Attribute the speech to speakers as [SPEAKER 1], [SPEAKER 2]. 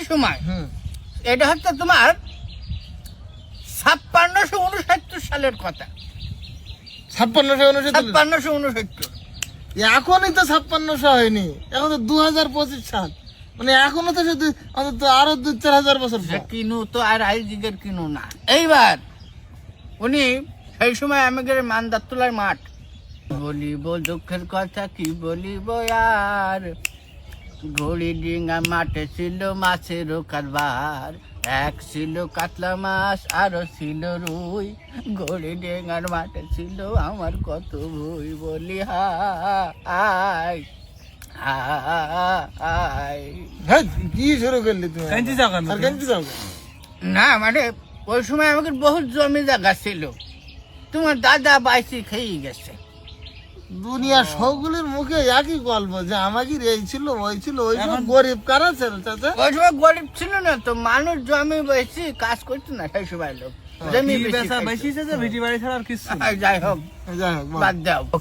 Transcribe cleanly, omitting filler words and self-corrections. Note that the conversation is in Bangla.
[SPEAKER 1] সময় এটা হচ্ছে তোমার 5669 সালের কথা। 5669
[SPEAKER 2] এখনই তো 5600 হয়নি, এখন তো 2025 সাল, মানে এখনো তো শুধু অন্তত আরো 2-4 বছর পর।
[SPEAKER 1] কিনু তো আর আইজিগের কিনু না। এইবার উনি সেই সময় আমাদের মানদারতলার মাঠ, বলিব দুঃখের কথা কি বলিব আর, ঘড়ি ডিঙ্গা মাঠে ছিল মাছের কারবার, এক ছিল কাতলা মাছ আরো ছিল রুই, ঘড়ি ডিঙ্গার মাঠে ছিল আমার কত ভুই, বলি হাই হাই।
[SPEAKER 2] হ্যাঁ, কি শুরু করলি তুমি? আর কাঞ্চি যাও কেন?
[SPEAKER 1] না মানে ওই সময় আমাদের বহুত জমি জায়গা ছিল, তোমার দাদা বাইসি খেয়ে গেছে।
[SPEAKER 2] দুনিয়া সবগুলোর মুখে একই গল্প যে আমাকে এই ছিল ওই ছিল, ওই সব গরিব কারা ছিল চাচা?
[SPEAKER 1] ওই সময় গরিব ছিল না তো, মানুষ জমি বেশি কাজ করতো না সেই সময় লোক, জমি বেশি খাইতো।
[SPEAKER 3] বেশি ভিটি বাড়ি ছাড়া আর কিছু
[SPEAKER 1] যাই হোক
[SPEAKER 2] যাই হোক,
[SPEAKER 1] বাদ দাও।